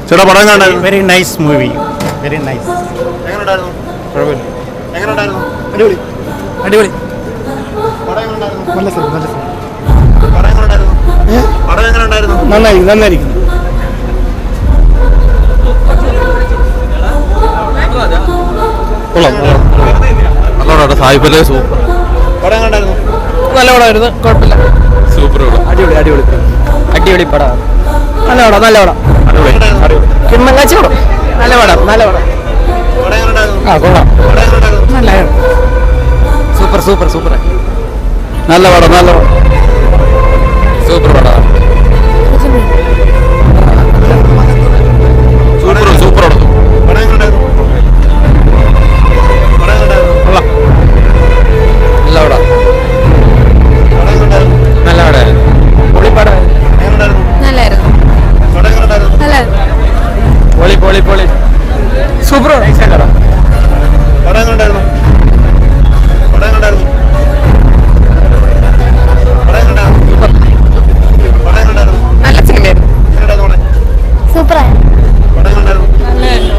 ചേട്ടാ പടം കണ്ടായിരുന്നു? Very nice movie, very nice. എങ്ങനെയുണ്ടായിരുന്നു? കുഴപ്പമില്ല, എങ്ങനെയുണ്ടായിരുന്നു? അടിപൊളി അടിപൊളി. പടം എങ്ങനെയുണ്ടായിരുന്നു? നല്ല സിനിമ, നല്ല സിനിമ. പടം എങ്ങനെയുണ്ടായിരുന്നു? പടം എങ്ങനെയുണ്ടായിരുന്നു? നന്നായിരിക്കും, നന്നായിരിക്കും. നല്ലോണം സായിപ്പല്ലേ സൂപ്പർ. പടം എങ്ങനെയുണ്ടായിരുന്നു? നല്ല പടമായിരുന്നു, കുഴപ്പമില്ല. സൂപ്പർ പടം. അടിപൊളി അടിപൊളി അടിപൊളി പടമാണ്. നല്ല പടം, നല്ല പടം. കിമ്മങ്ങാച്ചി പടം. നല്ല പടം, നല്ല പടം. പടം എങ്ങനെയുണ്ടായിരുന്നു? ആ കൊള്ളാം, പടം എങ്ങനെയുണ്ടായിരുന്നു? നല്ല സൂപ്പർ സൂപ്പർ സൂപ്പർ. നല്ല പടം, നല്ല പടം. സൂപ്പർ പടം. സൂപ്പർ സൂപ്പർ പടം. പടം എങ്ങനെയുണ്ടായിരുന്നു? പടം എങ്ങനെയുണ്ടായിരുന്നു? കൊള്ളാം, നല്ല പടം. പടം എങ്ങനെയുണ്ടായിരുന്നു? നല്ല പടമായിരുന്നു, പൊളി പടമായിരുന്നു. എങ്ങനെയുണ്ടായിരുന്നു? നല്ലായിരുന്നു, പടം എങ്ങനെയുണ്ടായിരുന്നു? നല്ലായിരുന്നു. പൊളി പൊളി പൊളി സൂപ്പർ പടം. പടം എങ്ങനെയുണ്ടായിരുന്നു? പടം എങ്ങനെയുണ്ടായിരുന്നു? പടം എങ്ങനെയുണ്ടായിരുന്നു? പടം എങ്ങനെയുണ്ടായിരുന്നു? നല്ല സിനിമയായിരുന്നു. എങ്ങനെയുണ്ടായിരുന്നു പടം? സൂപ്പറായി. പടം എങ്ങനെയുണ്ടായിരുന്നു? നല്ലായിരുന്നു.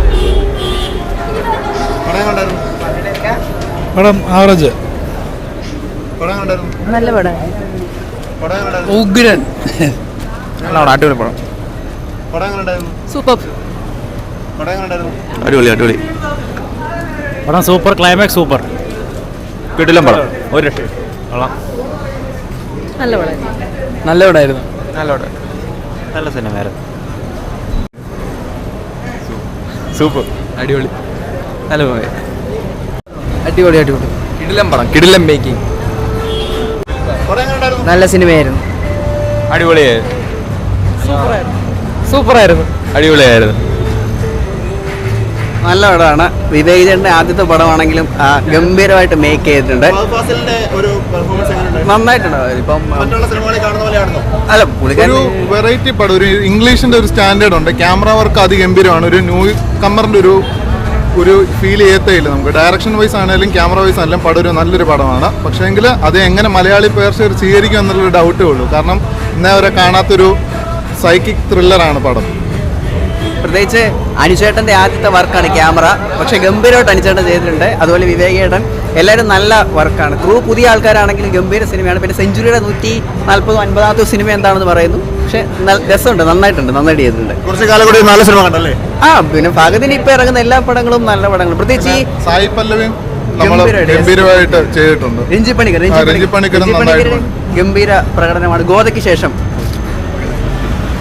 പടം എങ്ങനെയുണ്ടായിരുന്നു? പടം ആവറേജ്. പടം എങ്ങനെയുണ്ടായിരുന്നു? നല്ല പടം. പടം എങ്ങനെയുണ്ടായിരുന്നു? ഉഗ്രൻ. നല്ല പടം, അടിപൊളി പടം. പടം എങ്ങനെയുണ്ടായിരുന്നു? സൂപ്പർ. പടം എങ്ങനെയുണ്ടായിരുന്നു? അടിപൊളി അടിപൊളി പടം സൂപ്പർ, ക്ലൈമാക്സ് സൂപ്പർ. കിടിലം പടം ഒരു രക്ഷ. നല്ല പടം. നല്ല പടമായിരുന്നു, നല്ല പടം നല്ല സിനിമയായിരുന്നു. സൂപ്പർ, അടിപൊളി നല്ല മൂവി. അടിപൊളി അടിപൊളി. കിടിലം പടം, കിടിലം മേക്കിംഗ്. പടം എങ്ങനെയുണ്ടായിരുന്നു? നല്ല സിനിമയായിരുന്നു, അടിപൊളിയായിരുന്നു. സൂപ്പറായിരുന്നു. അടിപൊളിയായിരുന്നു. നല്ല പടമാണ്. വിവേക് ചേട്ടൻ്റെ ആദ്യത്തെ പടമാണെങ്കിലും ഗംഭീരമായിട്ട് മേക്ക് ചെയ്തിട്ടുണ്ട്. ഫഹദ് ഫാസിലിന്റെ ഒരു പെർഫോമൻസ് എങ്ങനെയുണ്ടായിരുന്നു? നന്നായിട്ടുണ്ട്. ഇപ്പം മറ്റുള്ള സിനിമകളിൽ കാണുന്ന പോലെയാണോ? അല്ല പുള്ളിക്കാരൻ ഒരു വെറൈറ്റി പടം, ഒരു ഇംഗ്ലീഷിന്റെ ഒരു സ്റ്റാൻഡേർഡ് ഉണ്ട്. ക്യാമറ വർക്ക് അതിഗംഭീരമാണ്. ഒരു ന്യൂ കമ്മറിന്റെ ഒരു ഫീൽ ചെയ്യത്തേയില്ല നമുക്ക്. ഡയറക്ഷൻ വൈസ് ആണെങ്കിലും ക്യാമറ വൈസ് ആണെങ്കിലും പടം ഒരു നല്ലൊരു പടമാണ്. പക്ഷേ എങ്കിൽ അത് എങ്ങനെ മലയാളി പ്രേക്ഷകർ സ്വീകരിക്കും എന്നുള്ളൊരു ഡൗട്ടേ ഉള്ളൂ. കാരണം ഇന്നേ വരെ കാണാത്തൊരു സൈക്കിക് ത്രില്ലറാണ് പടം. പ്രത്യേകിച്ച് അനുചേട്ടൻ്റെ ആദ്യത്തെ വർക്കാണ് ക്യാമറ. പക്ഷേ ഗംഭീരമായിട്ട് അനുചേട്ടൻ ചെയ്തിട്ടുണ്ട്. അതുപോലെ വിവേക് ചേട്ടൻ, എല്ലാവരും നല്ല വർക്കാണ്. ക്രൂ പുതിയ ആൾക്കാരാണെങ്കിലും ഗംഭീര സിനിമയാണ്. പിന്നെ സെഞ്ചുറിയുടെ 140-150 സിനിമ എന്താണെന്ന് പറയുന്നു. പക്ഷേ രസമുണ്ട്, നന്നായിട്ടുണ്ട്, നന്നായിട്ട് ചെയ്തിട്ടുണ്ട്. കുറച്ച് കാലം കൂടി നല്ല സിനിമ കണ്ടല്ലേ? പിന്നെ ഫഹദിന് ഇപ്പം ഇറങ്ങുന്ന എല്ലാ പടങ്ങളും നല്ല പടങ്ങളും. പ്രത്യേകിച്ച് ഈ സായി പല്ലവിയും നമ്മൾ ഗംഭീരമായിട്ട് ചെയ്തിട്ടുണ്ട്. രഞ്ജി പണിക്കർ രഞ്ജി പണിക്കരും നന്നായിട്ടുണ്ട്. ഗംഭീര പ്രകടനമാണ്. ഗോതയ്ക്ക് ശേഷം